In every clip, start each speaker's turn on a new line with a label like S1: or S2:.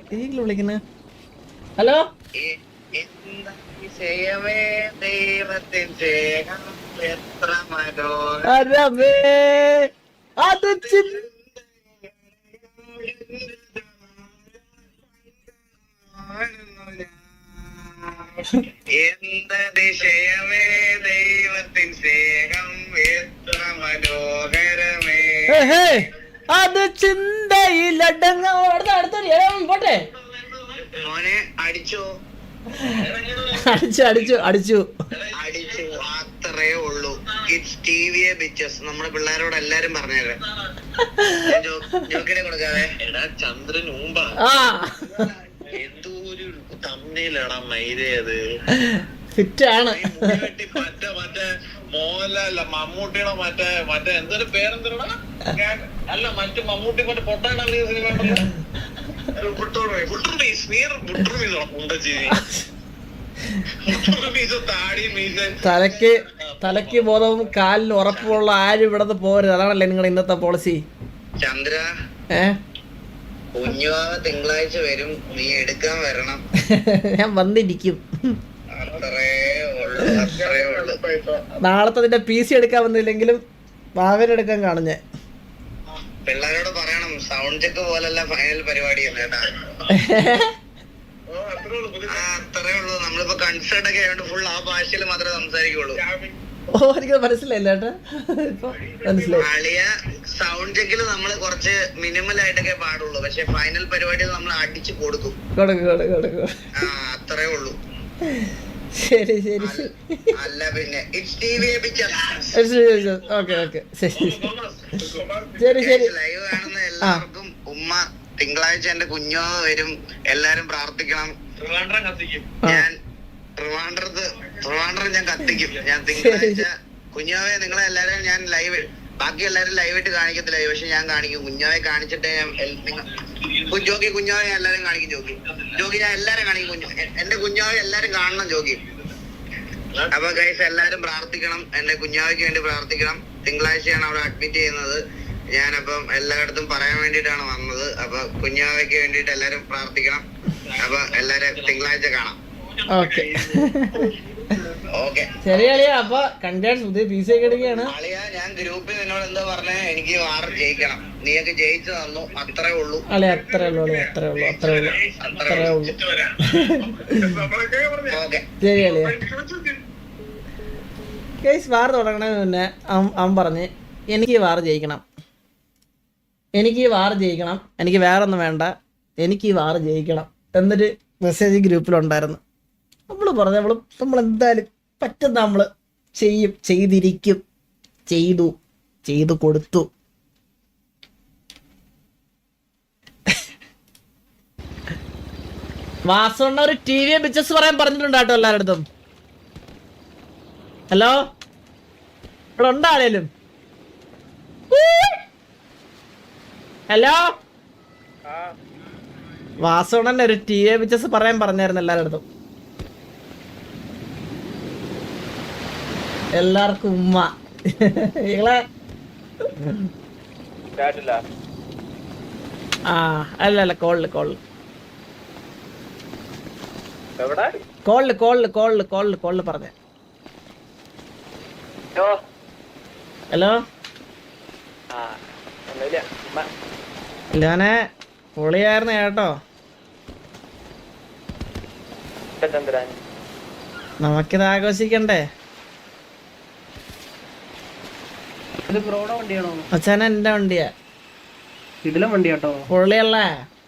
S1: വിളിക്കുന്നത്? ഹലോ അരമേ അത്
S2: എന്തതിശയമേ ദൈവത്തിൻ സ്നേഹം എത്ര മനോഹരമേ.
S1: അത് ചിന്തയിലടങ്ങ പോട്ടെ
S2: മോനെ അടിച്ചോ?
S1: അടിച്ചു അടിച്ചു അടിച്ചു
S2: അടിച്ചു, അത്രേ ഉള്ളൂ. ഇറ്റ്സ് ടിവിയെ ബിച്ചസ്. നമ്മുടെ പിള്ളേരോട് എല്ലാരും പറഞ്ഞേരെ. ജോക്കിനെ കൊടുക്കാതെ. എടാ ചന്ദ്രൻ ഊമ്പ എന്തോ ഒരു തമ്മിലടാ മൈരയത്
S1: ഫിറ്റാണ്.
S2: മറ്റേ മോഹൻലാൽ മമ്മൂട്ടിയുടെ മറ്റേ എന്തൊരു പേരെന്തരടാ? അല്ല മറ്റു മമ്മൂട്ടി മറ്റേ പൊട്ടാണ് സിനിമ
S1: തലക്ക് ബോധവും കാലിന് ഉറപ്പുള്ള ആരും ഇവിടെ പോരുത്. അതാണല്ലേ നിങ്ങളുടെ ഇന്നത്തെ പോളിസി.
S2: ചന്ദ്ര കുഞ്ഞുവാവ തിങ്കളാഴ്ച വരും, നീ എടുക്കാൻ വരണം.
S1: ഞാൻ വന്നിരിക്കും.
S2: അത്രേ ഉള്ളു.
S1: നാളത്തെ നിന്റെ PC എടുക്കാൻ വന്നില്ലെങ്കിലും ഭാവനെടുക്കാൻ കാണും ഞാൻ.
S2: പിള്ളേരോട് പറയണം സൗണ്ട് ചെക്ക് പോലല്ല ഫൈനൽ പരിപാടി കേട്ടാ. അത്രേ ഉള്ളൂ. നമ്മളിപ്പോ കൺസേർട്ട് ഒക്കെ ആയതുകൊണ്ട് ഫുൾ ആ ഭാഷയിൽ മാത്രമേ സംസാരിക്കുള്ളൂ.
S1: ഓ എനിക്ക് മനസ്സിലായില്ല ചേട്ടാ.
S2: അളിയ സൗണ്ട് ചെക്കിൽ നമ്മൾ കുറച്ച് മിനിമൽ ആയിട്ടൊക്കെ പാടുള്ളൂ, പക്ഷെ ഫൈനൽ പരിപാടിയിൽ നമ്മൾ അടിച്ചു കൊടുക്കും. അത്രേ ഉള്ളൂ.
S1: ശരി ശരി
S2: അല്ല പിന്നെ ഇറ്റ്സ് ടിവി ലൈവ് കാണുന്ന എല്ലാവർക്കും ഉമ്മ തിങ്കളാഴ്ച എന്റെ കുഞ്ഞോ വരും, എല്ലാരും പ്രാർത്ഥിക്കണം. ഞാൻ ട്രിവാൻഡ്രം ഞാൻ കത്തിക്കും. ഞാൻ തിങ്കളാഴ്ച കുഞ്ഞോവെ നിങ്ങളെ എല്ലാരും ഞാൻ ലൈവ്, ബാക്കി എല്ലാരും ലൈവായിട്ട് കാണിക്കത്തില്ല, പക്ഷെ ഞാൻ കാണിക്കും. കുഞ്ഞോവെ കാണിച്ചിട്ട് ജോക്കി കുഞ്ഞോവെ ഞാൻ എല്ലാരും കാണിക്കും. ജോക്കി ഞാൻ എല്ലാരും കാണിക്കും. എന്റെ കുഞ്ഞോവെ എല്ലാരും കാണണം ജോക്കി. അപ്പൊ ഗൈസ് എല്ലാരും പ്രാർത്ഥിക്കണം, എന്റെ കുഞ്ഞാവയ്ക്ക് വേണ്ടി പ്രാർത്ഥിക്കണം. തിങ്കളാഴ്ചയാണ് അവിടെ അഡ്മിറ്റ് ചെയ്യുന്നത്. ഞാനപ്പം എല്ലായിടത്തും പറയാൻ വേണ്ടിയിട്ടാണ് വന്നത്. അപ്പൊ കുഞ്ഞാവയ്ക്ക് വേണ്ടിയിട്ട് എല്ലാരും പ്രാർത്ഥിക്കണം. അപ്പൊ എല്ലാരും തിങ്കളാഴ്ച കാണാം.
S1: ശരി അളിയ. അപ്പൊ കൺഗ്രാറ്റ്സ്, പുതിയ PC ഒക്കെ എടുക്കുകയാണ്.
S2: അളിയ ഞാൻ ഗ്രൂപ്പിൽ നിന്നോട് എന്താ പറഞ്ഞേ, എനിക്ക് വാർ ജയിക്കണം, നീയൊക്കെ ജയിച്ചു തന്നു. അത്രേ ഉള്ളൂ
S1: അളിയ, അത്രേ ഉള്ളൂ അളിയ, അത്രേ ഉള്ളൂ, അത്രേ ഉള്ളൂ, അത്രേ ഉള്ളൂ. ശരി അളിയ. കേസ് വാർ തുടങ്ങണതിന് മുന്നേ അവൻ പറഞ്ഞ് എനിക്ക് വാർ ജയിക്കണം, എനിക്ക് വാർ ജയിക്കണം, എനിക്ക് വേറെ ഒന്നും വേണ്ട, എനിക്ക് വാർ ജയിക്കണം എന്നൊരു മെസ്സേജ് ഗ്രൂപ്പിലുണ്ടായിരുന്നു. നമ്മൾ പറഞ്ഞു നമ്മൾ എന്തായാലും പറ്റുന്ന നമ്മൾ ചെയ്യും, ചെയ്തിരിക്കും, ചെയ്തു കൊടുത്തു. വാസണ്ണ ഒരു TV ബിസിനസ് പറയാൻ പറഞ്ഞിട്ടുണ്ട് കേട്ടോ എല്ലാവരുടെ. ഹലോ, ഇവിടെ ഉണ്ടോ ആരേലും? ഹലോ, വാസണ്ണ ഒരു TV ബിസിനസ് പറയാൻ പറഞ്ഞായിരുന്നു എല്ലാവരുടെ. എല്ലാവർക്കും ഉമ്മ. നിങ്ങളെ അല്ല കോളില് പറഞ്ഞേ. ഹലോ, ഞാനെ പൊളിയായിരുന്നു കേട്ടോ. നമുക്കിത് ആഘോഷിക്കണ്ടേ? അച്ഛന എന്റെ വണ്ടിയാ.
S3: ഇതിലെ വണ്ടി കേട്ടോ,
S1: പൊള്ളിയല്ലേ?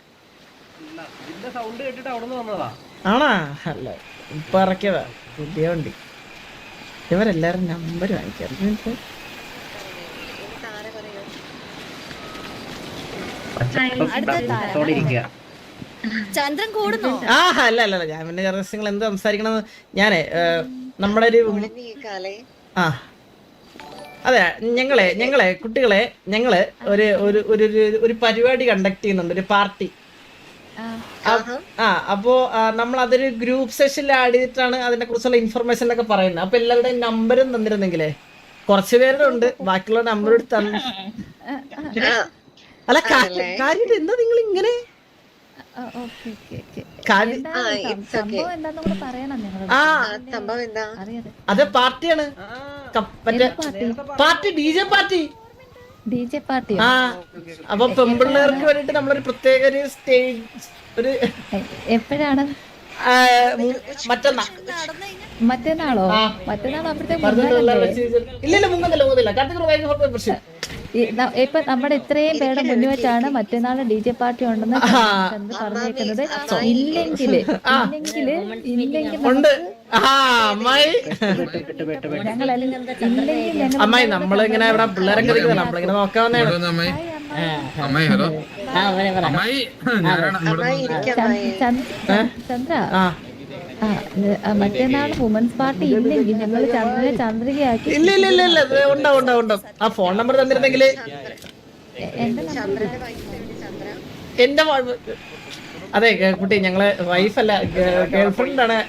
S3: സൗണ്ട് കേട്ടിട്ട് അവിടെ നിന്ന് വന്നതാ.
S1: ആണാ? അല്ല, ഇപ്പൊ ഇറക്കിയതാ പുതിയ വണ്ടി. ഇവരെല്ലാരും നമ്പർ വാങ്ങിക്കാം.
S4: ചന്ദ്രൻ കൂടുന്നോ?
S1: അല്ല ഞാൻ പിന്നെ നിങ്ങൾ എന്ത് സംസാരിക്കണമെന്ന് ഞാനേ നമ്മുടെ ഒരു അതെ ഞങ്ങളെ കുട്ടികളെ ഞങ്ങള് ഒരു പരിപാടി കണ്ടക്ട് ചെയ്യുന്നുണ്ട്, ഒരു പാർട്ടി. അപ്പോ നമ്മൾ അതൊരു ഗ്രൂപ്പ് സെഷനിൽ ആഡ് ചെയ്തിട്ടാണ് അതിനെ കുറിച്ചുള്ള ഇൻഫർമേഷൻ ഒക്കെ പറയുന്നത്. അപ്പൊ എല്ലാവരുടെയും നമ്പരും തന്നിരുന്നെങ്കിലേ, കുറച്ചു പേരുടെ ഉണ്ട്, ബാക്കിയുള്ള നമ്പർ എടുത്ത് അല്ല കാര്യം എന്താ നിങ്ങൾ ഇങ്ങനെ
S4: ഓക്കെ ഓക്കെ ഓക്കെ
S1: കാര്യം
S4: എന്താണ് സംഭവം എന്താന്ന് കൂടെ പറയണം ഞങ്ങള്
S1: ആ
S5: സംഭവം എന്താ?
S4: അറിയാതെ
S1: അത് പാർട്ടിയാണ് മറ്റേ പാർട്ടി DJ പാർട്ടി
S4: DJ പാർട്ടിയോ
S1: ആ അപ്പൊ പെമ്പിള്ളേർക്ക് വേണ്ടിട്ട് നമ്മളൊരു പ്രത്യേക ഒരു സ്റ്റേജ് ഒരു
S4: എപ്പോഴാണ്
S1: മറ്റന്നാ
S4: മറ്റന്നാളോ
S1: ആ.
S4: മറ്റന്നാൾ അവിടുത്തെ
S1: ഇല്ല മുങ്ങുന്നില്ല കാർത്തിക് പ്രശ്നം
S4: ഇപ്പൊ നമ്മുടെ ഇത്രയും പേരുടെ മുന്നിൽ വെച്ചാണ് മറ്റന്നാൾ DJ പാർട്ടി ഉണ്ടെന്ന് ചന്ദ്ര പറഞ്ഞേക്കുന്നത്. ഇല്ലെങ്കില്
S1: ഉണ്ട് ആ അമ്മായി
S4: ഞങ്ങൾ ഇല്ലെങ്കിൽ ഞങ്ങൾ
S1: അമ്മായി നമ്മളിങ്ങനെ ഇവിടെ പിള്ളേരൊക്കെ ഇരിക്കുന്നത് നമ്മളിങ്ങനെ നോക്കാൻ വന്നതാണ്
S4: ചന്ദ്ര
S1: ആ
S4: മറ്റന്നാൾ വുമൻസ് പാർട്ടി ഇല്ലെങ്കിൽ ഞങ്ങൾ ചന്ദ്രനെ ചന്ദ്രികയാക്കി
S1: ഇല്ല ഉണ്ട് ആ ഫോൺ നമ്പർ തന്നിരുന്നെങ്കിൽ
S4: എന്റെ നമ്പർ
S1: എന്റെ അതെ കുട്ടി ഞങ്ങളെ വൈഫല്ല ഗേൾഫ്രണ്ട് ആണ്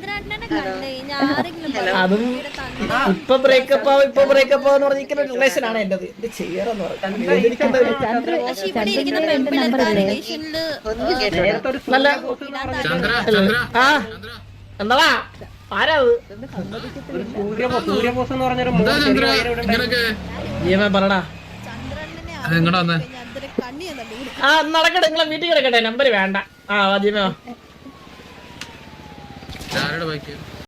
S1: അതും ഇപ്പൊ ബ്രേക്കപ്പ് ആവെന്ന് പറഞ്ഞിരിക്കുന്ന റിലേഷൻ ആണ് എന്റേത് എന്ത് ചെയ്യാറെന്ന്
S4: ചന്ദ്രന്റെ എന്റെ നമ്പർ അല്ലേ
S1: നല്ല ആ എന്താ ആരാ
S3: സൂര്യബോസ് എന്ന് പറഞ്ഞൊരു
S1: ജീവൻ പറടാ ആ നടക്കട്ടെ നിങ്ങളെ വീട്ടിൽ കിടക്കട്ടെ നമ്പർ വേണ്ട ആ ജീവ
S6: ആരുടെ ബൈക്ക്